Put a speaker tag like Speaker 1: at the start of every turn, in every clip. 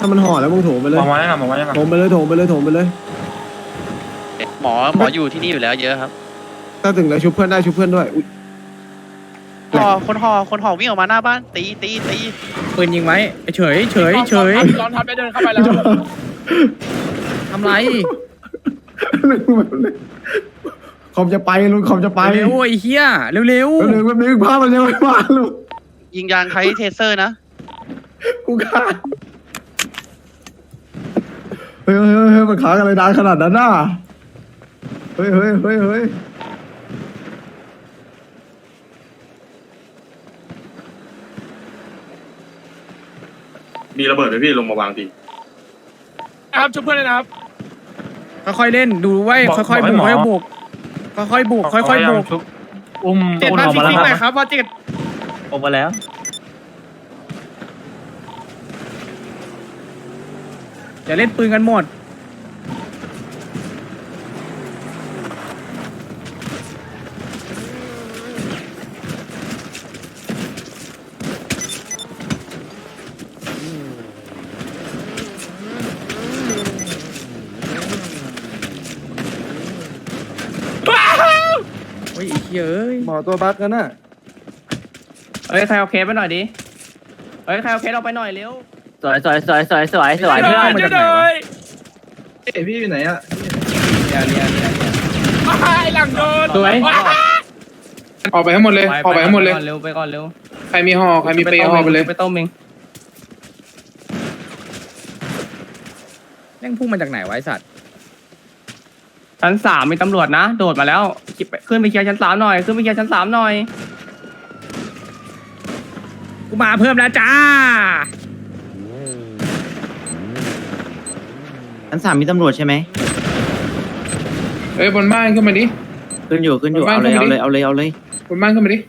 Speaker 1: ามันห่อแล้วมึงโถมไปเลย
Speaker 2: มองมาได้หรอมองมาได้หรอ
Speaker 1: โถมไปเลยโถมไปเลยโถมไปเลย
Speaker 3: หมออยู่ที่นี่อยู่แล้วเยอะครับ
Speaker 1: ถ้าถึงแล้วชุบเพื่อนได้ชุบเพื่อนด้วยอุ๊ย
Speaker 3: คนห่อวิ่งออกมาหน้าบ้านตี
Speaker 4: ปืนยิงไว้เฉย
Speaker 2: ร้อนทับไปเดินเข้าไปแล้ว
Speaker 4: ทำไร
Speaker 1: คอมจะไปลุงคอมจะไป
Speaker 4: เร็วไอ้เหี้ยเร็ว
Speaker 1: เร็วแบบนี้ภาพมันยังไม่มาลุง
Speaker 3: ยิงยางใช้เทเซอร์นะ
Speaker 1: กูฆ่าเฮ้ยมันค้างอะไรนานขนาดนั้นน่ะเฮ้ย
Speaker 5: มีระเบิดไหมพี่ลงมาวางที
Speaker 2: ครับช่วยเพื่อนเลยนะครับ
Speaker 4: ค่อยๆเล่นดูไว้ค่อยๆบุกค่อยๆบุก
Speaker 2: อุ้ม
Speaker 4: เจ็ด
Speaker 2: อ
Speaker 4: บ้าน
Speaker 2: อก
Speaker 4: ฟิ
Speaker 2: มาแล้ว
Speaker 4: กๆหน่อย
Speaker 2: ค
Speaker 4: ครับ รับว่าเจ็ด
Speaker 2: ออกมาแล้ว
Speaker 4: อย่าเล่นปืนกันหมดโอ้ยไอ้เหี้ยเอ้ย
Speaker 1: หมอตัวบั๊กกันน่ะ
Speaker 4: เอ้ยใครเอาเคสไปหน่อยดิเอ้ยใครเอาเคสออกไปหน่อยเร็ว
Speaker 2: เพื่อนมาจากไหนวะ
Speaker 1: เอ้ยพี่อยู่ไหนอ่ะ
Speaker 4: เรีย
Speaker 2: หลังโดน
Speaker 4: สวย
Speaker 6: ออกไปให้หมดเลยออกไปให้หมดเลย
Speaker 4: เร็วไปก่อนเร็ว
Speaker 6: ใครมีห่อใครมีเปย์ห่อไปเลย
Speaker 4: ไปต้มเองแม่งพุ่งมาจากไหนวะไอสัตว์ชั้นสามมีตำรวจนะโดดมาแล้วขึ้นไปเคลียร์ชั้นสามหน่อยขึ้นไปเคลียร์ชั้นสามหน่อยกูมาเพิ่มแล้วจ้า
Speaker 7: ชั้น3มีตำรวจใช่ไหม
Speaker 6: เอ้ยบนบ้านขึ้นมาดิ
Speaker 7: ขึ้นอยู่
Speaker 6: บ้าน
Speaker 7: เอาเลย
Speaker 6: ขึ้นมาดิ
Speaker 7: เอาเลย
Speaker 6: บนบ้านขึ้นมาดิ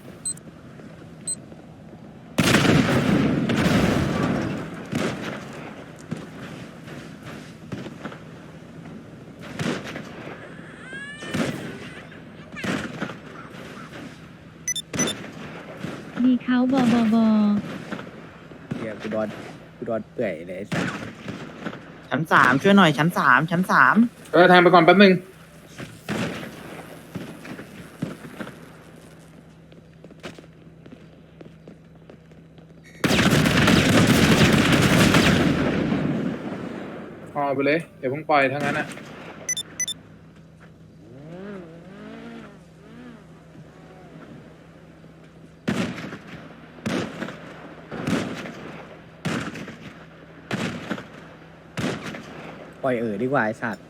Speaker 8: ดีเขาบอบอบอ
Speaker 4: เฮียกูโดนเปื่อยเลยไอ้สัส
Speaker 7: ชั้น3ช่วยหน่อยชั้น3
Speaker 6: ทางไปก่อนแป๊บนึงห่อไปเลยเดี๋ยวเพิ่งปล่อยทั้งนั้นอ่ะ
Speaker 4: ปล่อยดีกว่าไอสัตว์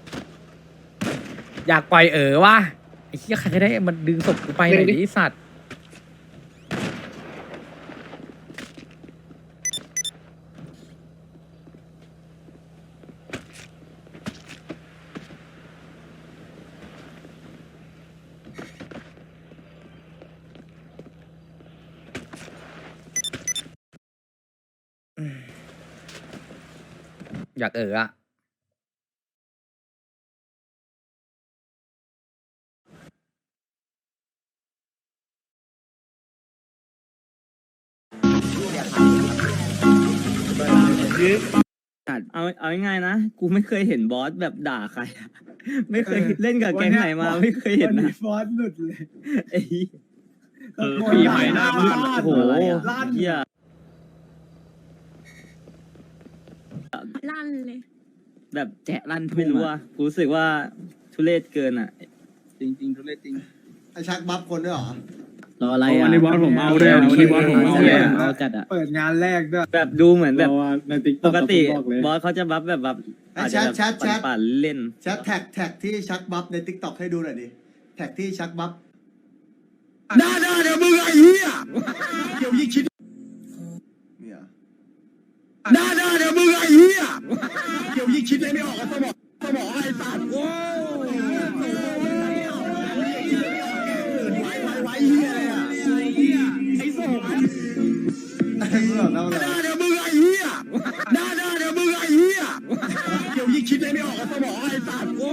Speaker 4: อยากปล่อยว่ะไอ้เหี้ยใครก็ได้มันดึงศพกูไปหน่อยดิไอ้สัตว์อยากอ่ะ
Speaker 9: เอาง่ายๆนะ กูไม่เคยเห็นบอสแบบด่าใครอะไม่เคยเล่นกับแก๊งไหนมาไม่เคยเห็นนะ
Speaker 1: บอสหลุดเลย
Speaker 9: ไอ้
Speaker 1: ปีใหม่หน้าบ้าน
Speaker 9: โอ้โหเหี้ย
Speaker 8: ลั่นเลย
Speaker 9: แบบแจะลั่นไม่รู้อ่ะกูรู้สึกว่าทุเรศเกินอ่ะ
Speaker 1: จริงทุเรศจริงไอชักบัฟคนด้วยเหรอ
Speaker 9: รออะไรอ่ะ
Speaker 1: วันนี้บอสผมเอาเลยวันนี้บอสผมเอาเลย
Speaker 9: เอาจัดอ่ะ
Speaker 1: เปิดงานแรกด้วย
Speaker 9: แบบดูเหมือนแบบ
Speaker 1: ในติ๊ก
Speaker 9: ปกติบอสเขาจะบัฟแบบอาจจะแบบ
Speaker 1: แชท
Speaker 9: ปั่นๆเล่น
Speaker 1: แท็กที่ชักบัฟในติ๊กต็อกให้ดูหน่อยดิแท็กที่ชักบัฟเดี๋ยวมึงไอ้เหี้ยเดี๋ยวยิ่งคิดเนี่ยเดี๋ยวมึงไอ้เหี้ยเดี๋ยวยิ่งคิดอะไรไม่ออกก็บอกไอ้สัตว์โว้ไว้เหี้ยเลยอ่ะไอ้สองเดี๋ยวมึงไอ้เหี้ยเดี๋ยวมึงไอ้เหี้ยเดี๋ยวยิ่งคิดอะไรไม่ออกก็บอกไอ้สัตว์โว้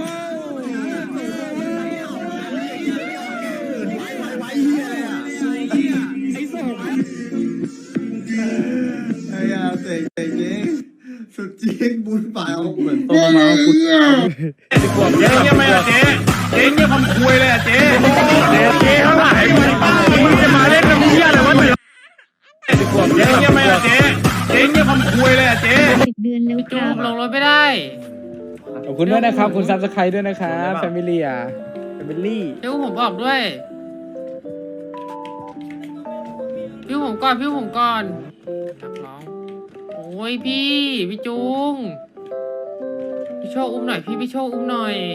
Speaker 1: ไว้เหี้ยเลยอ่ะไอ้สองไอ้ยาเตะจริงสุดจริงบุญฝ่ายเอา
Speaker 9: เหมือนตัวมาคุณ
Speaker 5: เจ๊เงียบไหมอะเจ๊เจ๊เงียบคำคุยเลยอะเจ๊เจ๊ข้างหลังมึงจะมาเล่นกับมึงเหี้ยอะไรวะเจ๊เงียบไหมอะเจ๊เจ๊เงียบคำคุยเลยอะเจ๊
Speaker 8: 10 เดือนแล้วค
Speaker 2: จู
Speaker 8: รับ
Speaker 2: บลงรถไม่ได้
Speaker 10: ขอบคุณด้วยนะครับ คุณซับสไครต์ด้วยนะครับแฟมิลี่แฟมิลี่
Speaker 2: พี่ผมบอกด้วยพี่ผมก่อนพี่ผมก่อนนักร้องโอ้ยพี่จุงพี่โชคอุ้มหน่อยพี่โชคอุ้มหน่อย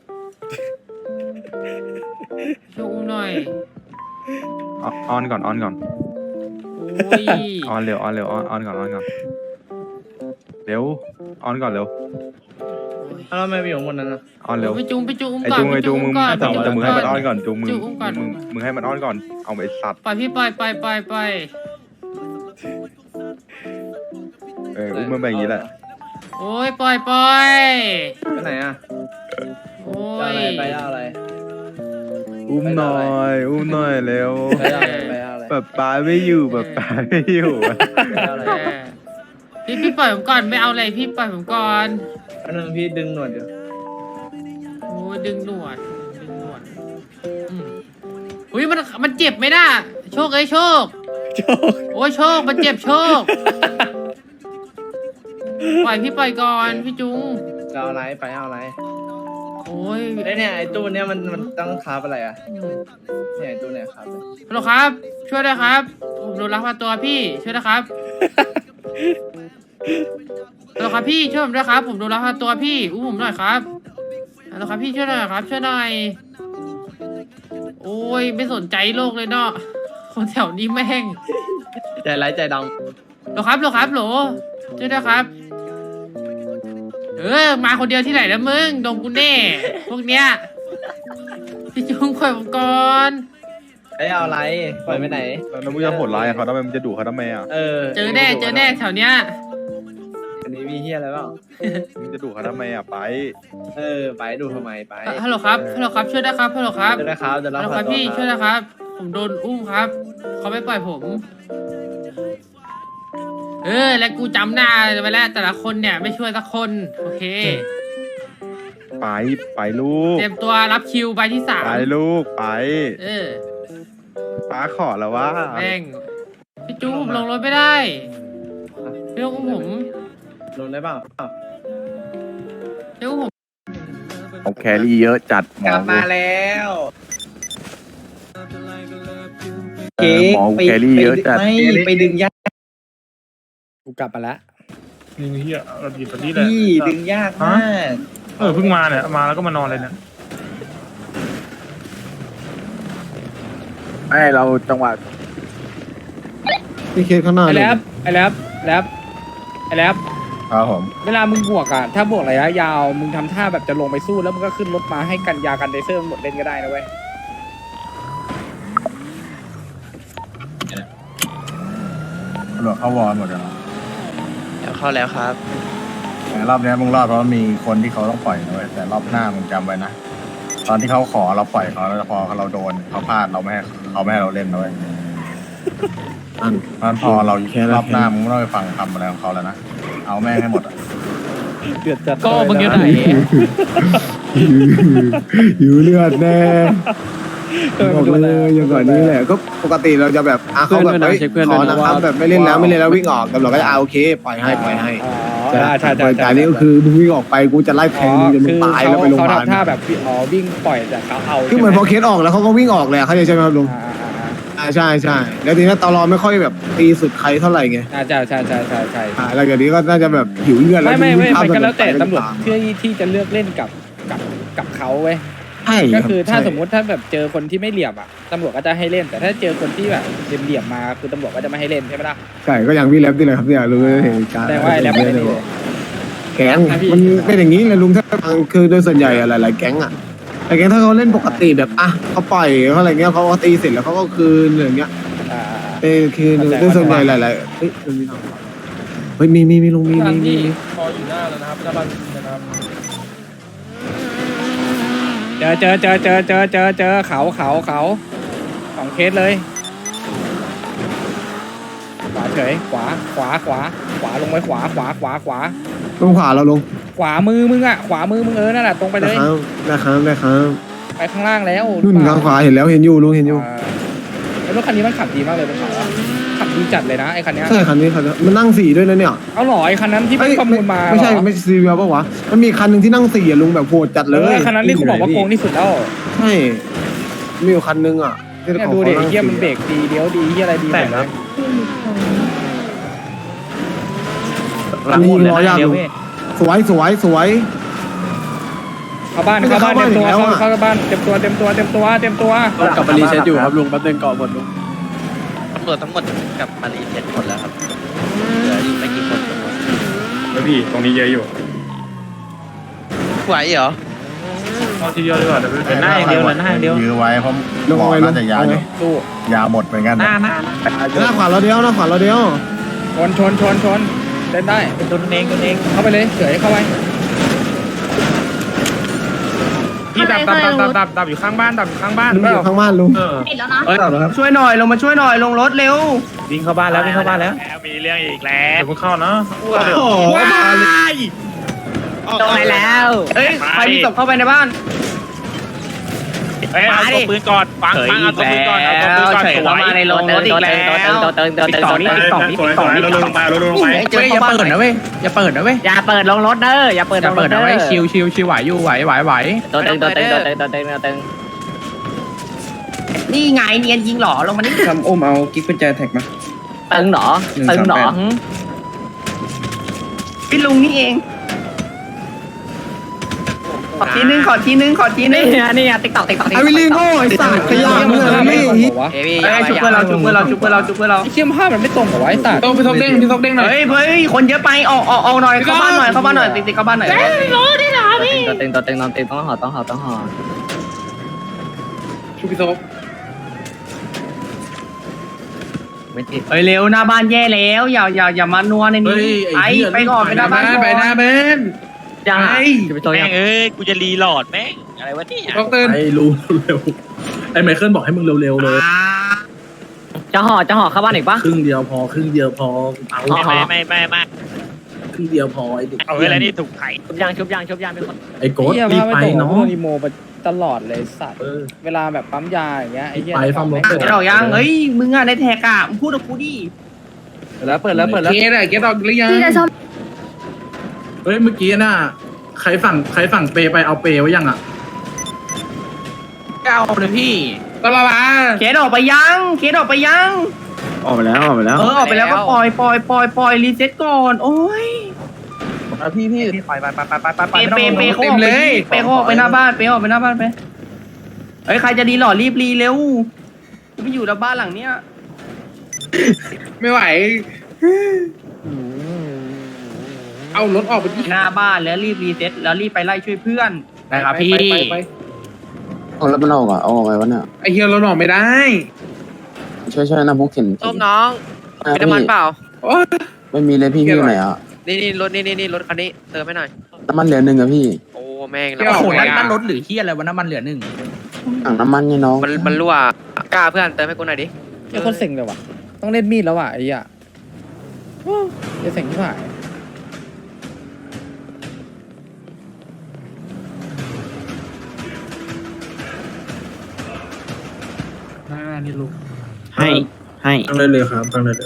Speaker 2: พี่โชคอุ้มหน่อย
Speaker 5: ออนก่อน
Speaker 2: โอ้ย
Speaker 5: ออนเร็วออนก่อนเร็วออนก่อนเร็ว
Speaker 4: แล้วทำไมไปอยู่บนนั้นอ่ะ
Speaker 5: ออนเร็ว
Speaker 2: พี่จุงอุ้ม
Speaker 5: ไอ้
Speaker 2: ก่อน
Speaker 5: จุงมึง
Speaker 2: ก่อน
Speaker 5: แต่มึงให้มันออนก่อนจุงมึง
Speaker 2: จุงอุ้มก่อน
Speaker 5: มึงให้มันออนก่อนเอาไปสัตว์
Speaker 2: ปล่อยพี่ปล่อย
Speaker 5: อุ้มมันแบบนี้แหละ
Speaker 2: โอ้ยปล่อย
Speaker 4: ไปไหนอ่ะ
Speaker 2: โอ้ย
Speaker 4: อะไร
Speaker 5: อุ้มหน่อยเร็ว
Speaker 4: ไปอะไร
Speaker 5: แบบป้าไม่อยู่แบบป้าไม่อยู่
Speaker 2: พี่ปล่อยผมก่อนไม่เอาอะไรพี่ปล่อยผมก่อน
Speaker 4: อันนึงพี่ดึงหนวดอยู่
Speaker 2: โอ้ยดึงหนวดอืมอุ้ยมันเจ็บไหมน่ะโชคโชคโอ้ยโชคมันเจ็บโชคปล่อยพี่ปล่อยก่อนพี่จุง
Speaker 4: จะเอาอะไรไปเอาอะไร
Speaker 2: โอ้ย
Speaker 4: เนี่ยไอ้ตู้เนี้ยมันต้องคาบอะไรอ่ะเนี่ยไอ้ตู้เนี่ยครับ
Speaker 2: ฮัลโหลครับ ช่วยด้วยครับผมโดนลักพาตัวพี่ช่วยนะครับฮัลโหลครับพี่ช่วยผมด้วยครับผมโดนลักพาตัวพี่อุ้มผมหน่อยครับฮัลโหลครับพี่ช่วยหน่อยครับช่วยหน่อยโอ้ยไม่สนใจโลกเลยเนาะคนแถวนี้แม่ง
Speaker 4: ใจร้ายใจด
Speaker 2: โหลครับช่วยด้วยครับมาคนเดียวที่ไหนนะมึงโดนกูแน่พวกเนี้ยพี่จุงปล่อยผมก่อน
Speaker 4: ำไอ้เอาอะไรปล่อยไปไหน
Speaker 5: แล้วมึงจะโหดร้ายเขาทำไมมึงจะดุเขาทำไมอ่ะ
Speaker 2: เจอแน่แถวเนี้ย
Speaker 4: อันนี้มีเฮียอะไรเปล่า
Speaker 5: มึงจะดุเขาทำไมอ่ะไป
Speaker 4: ไปดูทำไมไป
Speaker 2: ฮัลโหลครับช่วยด้วยครับฮัลโหลครับ
Speaker 4: เดี๋ยวนะครับเดี๋ยว
Speaker 2: ฮัล
Speaker 4: เรา
Speaker 2: โหลครับพี่ช่วยนะครับ ผมโดนอุ้มครับเขาไม่ปล่อยผม แล้วกูจำหน้าไปแล้วแต่ละคนเนี่ยไม่ช่วยสักคนโอเค
Speaker 5: ไปลูก
Speaker 2: เตรียมตัวรับคิวใบที่3
Speaker 5: ไปลูกไป ป้าขอแล้วว่า
Speaker 2: แม่งพี่จูผมลงรถไม่ได้พี่ต้องอุ้มผม
Speaker 4: ลงได้เปล่า
Speaker 2: พี่อุ้มผม
Speaker 5: เอาแครี่เยอะจัด
Speaker 4: กลับมาแล้ว
Speaker 5: หมอแครี่เยอะจัด
Speaker 4: ไม่ไปดึงยาก
Speaker 10: กูกลับมาแล้ว
Speaker 5: นี่เฮียเราดีแบบนี้แหละ
Speaker 4: พี่ดึงยากมาก
Speaker 5: เพิ่งมาเนี่ยมาแล้วก็มานอนเลยเนี่ยไอเราจังหวะ
Speaker 1: พี่เคสข้างหน้า
Speaker 10: ไอ้
Speaker 1: เลย
Speaker 10: แล็บ
Speaker 5: ครับผม
Speaker 10: เวลามึงบวกอ่ะถ้าบวกระยะยาวมึงทำท่าแบบจะลงไปสู้แล้วมึงก็ขึ้นรถมาให้กันยากันเดเซอร์มันหมดเล่นก็ได้นะเว้ย
Speaker 5: ตำรวจเข้าวอร์หมดแล้ว
Speaker 4: เข้าแล้วครับ
Speaker 5: แต่รอบนี้มึงรอดเพราะมีคนที่เขาต้องปล่อยนะเว้ยแต่รอบหน้ามึงจำไว้นะตอนที่เขาขอเราปล่อยเขาแล้วพอเราโดนเขาพลาดเราไม่ให้เขาไม่ให้เราเล่นนะเว้ยเพราะพอเรารอบหน้ามึงไม่ต้องไปฟังคำอะไรของเขาแล้วนะเอาแม่งให้หมดอ่ะ
Speaker 10: เดือดจัด
Speaker 2: ก็มึงอยู่ไหน
Speaker 1: อยู่เลือดแน่บอกเลยอย่างก่อนนี้แหละก็ปกติเราจะแบบเขาแบบขอนะครับแบบไม่เล่นแล้ววิ่งออกตำรวจก็จะโอเคปล่อยให้
Speaker 10: ใช่ใช่
Speaker 1: แต่นี่ก็คือมึงวิ่งออกไปกูจะไล่แทงมึงจนมึงตายแล้วไปโรงพยาบาล
Speaker 10: เขาทำท่าแบบวิ่งปล่อยแต่เขาเอา
Speaker 1: คือเหมือนพอเคสออกแล้วเขาก็วิ่งออกเลยเขาใช่ไหมครับลุงใช่แล้วทีนี้ตลอไม่ค่อยแบบตีสุดใครเท่าไหร่ไง
Speaker 10: ใช่
Speaker 1: แล้วอย่างนี้ก็น่าจะแบบหิวเลือดแล้ว
Speaker 10: ไม่มันก็แล้วแต่ตำรวจเพื่อที่จะเลือกเล่นกับเขาเว้ยก็คือถ้าสมมุติถ้าแบบเจอคนที่ไม่เหลี่ยมอ่ะตำรวจก็จะให้เล่นแต่ถ้าเจอคนที่แบบเหลี่ยมมาคือตำรวจก็จะไม่ให้เล่นใช่ไหมล่ะ
Speaker 1: ใช่ก็อย่างพี่แล็บนี่แหละครับเนี่ยลุงเห็นการ
Speaker 10: แต่ว่าไอ้แล็บไม่ได้เลย
Speaker 1: แก๊งมันเป็นอย่างนี้เลยลุงถ้าคือโดยส่วนใหญ่หลายๆแก๊งอ่ะแต่แก๊งถ้าเขาเล่นปกติแบบเขาปล่อยเขาอะไรเงี้ยเขาตีเสร็จแล้วเขาก็คืนอย่างเงี้ยคือโดยส่วนใหญ่หลายๆเฮ้ยมีลุงมี
Speaker 10: พออยู่หน้าแล้วนะครับหน้าบ้านนะครับเจอเขา2 เคสเลยขวาเฉยขวาลงไปขวา
Speaker 1: ลงขวาเราลง
Speaker 10: ขวามือมึงอ่ะขวามือมึงนั่นแหละตรงไปเลย
Speaker 1: ได้ครับ
Speaker 10: ไปข้างล่างแล้ว
Speaker 1: นู่นข้างขวาเห็นแล้วเห็นอยู่ลุงเห็นอยู่
Speaker 10: แล้วรถคันนี้มันขับดีมากเลยบนเขาอะขับดีจัดเลยนะไอ้คันเนี้ย
Speaker 1: ใช่คันนี้มันนั่ง4ด้วยนะเนี่ย
Speaker 10: เอาหรอไอ้คันนั้นที่มันประมูลมา
Speaker 1: ไม่ใช่ซีเวียป่ะวะมันมีคันหนึ่งที่นั่ง4อ่ะลุงแบบโหดจัดเลย
Speaker 10: คันนั้นที่เขาบอกว่าโกงที่สุดแล้ว
Speaker 1: ใช่มีอยู่คันนึงอ่ะที่
Speaker 10: เนี่ย
Speaker 1: ขา
Speaker 10: ดูดิ
Speaker 1: ขา
Speaker 10: เฮียมันเบรกดีเลี้ยวดีเฮียอะไรดีหมดเลย
Speaker 8: ผู้หลุดของ
Speaker 1: อันนี้ยิงล้อยากลุงสวย
Speaker 10: เข้าบ้านเต็มตัวเข้าบ้านเต็มตัว
Speaker 5: กลับมารีเซ็ตอยู่ครับลุงแป๊บนึงก่อนหมดลุง
Speaker 3: ตำรวจทั้งหมดกลับมารีเซ็ตหมดแล้วครับเหลืออีกไม่กี่คน
Speaker 5: แล้วพี่ตรงนี้เยอะอยู่
Speaker 3: ไหวเหรอ
Speaker 5: เอาทีเดียวดีกว่าเดี๋ยว
Speaker 7: เดินหน้าอย่างเดียว
Speaker 11: ยื้อไว้เพราะ
Speaker 1: ลง
Speaker 11: หมอ
Speaker 1: ไป
Speaker 11: น่าจะยาอยู่
Speaker 10: ตู้
Speaker 11: ยาหมดเหมือนกัน
Speaker 7: หน้า
Speaker 1: หน้าขวาเราเดียว
Speaker 10: ชนเล่นได้
Speaker 7: เป็นตัวเอง
Speaker 10: เข้าไปเลยเฉยเข้าไป
Speaker 5: พี่ดับอยู่ข้างบ้าน
Speaker 1: ลุงอยู่ข้างบ้านลุง
Speaker 8: ปิดแล้วนะ
Speaker 4: ช่วยหน่อยลงมาช่วยหน่อยลงรถเร็ว
Speaker 7: วิ่งเข้าบ้านแล้ว
Speaker 5: มีเรื่องอีกแล้วเดี๋ยวมึงเข้านะ
Speaker 7: ตรงไหนแล้ว
Speaker 4: เอ้ยใครมีศพเข้าไปในบ้าน
Speaker 5: เอาตัวปืนก่อนฟังเอาตัวปืนก่อน
Speaker 4: เฉยเข้ามาในโรงรถอีกแล้วติ๊กต่อนี่เราลงไปเจออย่าเปิดนะเว้ยอย่าเปิดลงรถเด้ออย่าเปิดนะเว้ยชิวไหวอยู่ไหวตัวตึงนี่ไงเนียนยิงหรอลงมานี่
Speaker 9: ทำอุ้มเอากิ๊กกุญแจแท็กมา
Speaker 4: ตึงหรอพี่ลุงนี่เองขอทีนึงนี่ติ๊กต่อ
Speaker 1: ไอวิลลี่โง่ไอสัตว์ขยะมึงอะไรนี่
Speaker 4: ชุบเพื่อนเรา
Speaker 10: ไอ้เชี่ยมภาพมันไม่ตรงกับไอ้สัตว์
Speaker 6: ต้องไปทบเด้งหน่อย
Speaker 4: เฮ้ยคนเยอะไปออกหน่อยเข้าบ้านหน่อยติ๊กเข้าบ้านหน่อยต้องห่อ
Speaker 6: ชูพี่ทบ
Speaker 4: เฮ้ยเร็วหน้าบ้านแย่แล้วอย่ามานัวในนี้ไปก่อนไปหน้าบ้าน
Speaker 6: ไปหน้าเบน
Speaker 4: ยังไง
Speaker 3: แม่งกูจะรีโหลดแม่งอะไรวะเนี่ย
Speaker 6: ต้องเต้น
Speaker 5: ไอ้รู้เร็วไอ้ไมเคิลบอกให้มึงเร็วๆเลย
Speaker 4: จะห่อเข้าบ้านอีกปะ
Speaker 5: ครึ่งเดียวพอเอา
Speaker 3: ไม่
Speaker 5: ครึ่งเดียวพอไอ้เด็ก
Speaker 3: เอาอะไรนี่ถูกไข่
Speaker 4: ชุบยางเป็นคน
Speaker 5: ไอ้โกด
Speaker 10: เฮีย
Speaker 5: รี
Speaker 10: ภา
Speaker 5: บ
Speaker 10: พ
Speaker 5: ไป
Speaker 10: ไม่ตรง
Speaker 5: เนาะ
Speaker 10: โดนอีโมไปตลอดเลยสัตว์
Speaker 5: เออ
Speaker 10: เวลาแบบปั๊มยาอย่างเงี้ยไอ้เฮีย
Speaker 5: ไปฟังรถ
Speaker 4: เดี๋ยวยังเฮ้ยมึงอะในแท็กอะมึงพูดกับกูดิ
Speaker 6: เกตออกหรือยัง
Speaker 8: พี่จะชอบ
Speaker 5: เฮ้ยเมื่อกี้น่ะใครฝั่งเปไปเอาเปไว้ยังอ่ะ
Speaker 4: เอาเลยพี่
Speaker 6: ก็ละละ
Speaker 4: เคสออกไปยัง
Speaker 1: ออกไปแล้ว
Speaker 4: ออกไปแล้วก็ปล่อยรีเซ็ตก่อนโอ้ย
Speaker 7: พี่ไป
Speaker 4: เปเขาออกไปหน้าบ้านไปเฮ้ยใครจะดีหล่อรีบรีเร็วไม่อยู่แล้วบ้านหลังเนี้ย
Speaker 6: ไม่ไหว เอารถออกไปที่
Speaker 4: หน้าบ้านแล้วรีบรีเซ็ตแล้วรีบไปไล่ช่วยเพื่อน
Speaker 6: นะครับพี่
Speaker 11: เอาแล้วมันออกอ่ะเอาออกไงวะเนี่ย
Speaker 6: ไอเฮียรถออกไม่ได้
Speaker 11: ช่วยนะพวกเข็น
Speaker 3: ต้มน้องมีน้ำมันเปล่า
Speaker 11: ไม่มีเลยพี่อยู่ไหนอ่ะ
Speaker 3: นี่รถคันนี้เติมให้หน่อย
Speaker 11: น้ำมันเหลือ1อ่ะพี่
Speaker 3: โอ้แม่ง
Speaker 4: โอ้โหนั่นรถหรือที่อะไรวะน้ำมันเหลือ1
Speaker 11: ถังน้ำมันไงน้อง
Speaker 3: มันรั่วกล้าเพื่อนเติมให้กูหน่อยดิ
Speaker 10: ไอ้คนเซ็งเลยว่ะต้องเล่นมีดแล้วว่ะไอ้เหี้ยจะเซ็งที่ไหน
Speaker 5: นี่ลูก
Speaker 7: ให้
Speaker 5: ตั้งเลยครับตั้งเลย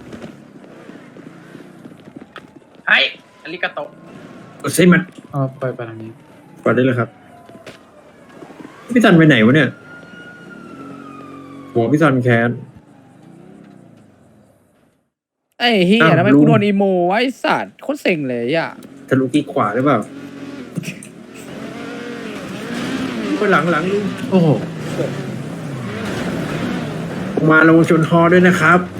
Speaker 4: ไอ้อลิกาโต
Speaker 5: ใช่มันไปทางนี้ไปได้เลยครับพี่ซันไปไหนวะเนี่ยหัวพี่ซันแค้น
Speaker 10: ไอ้เหี้ยทำไมกูโดนอีโมวะไอ้สัตว์โคตรเซ็งเลยอ่ะ
Speaker 5: ทะลุที่ขวาหรือเปล่าไปหลังลุงโอ้โหมาลงชนฮอด้วยนะครับ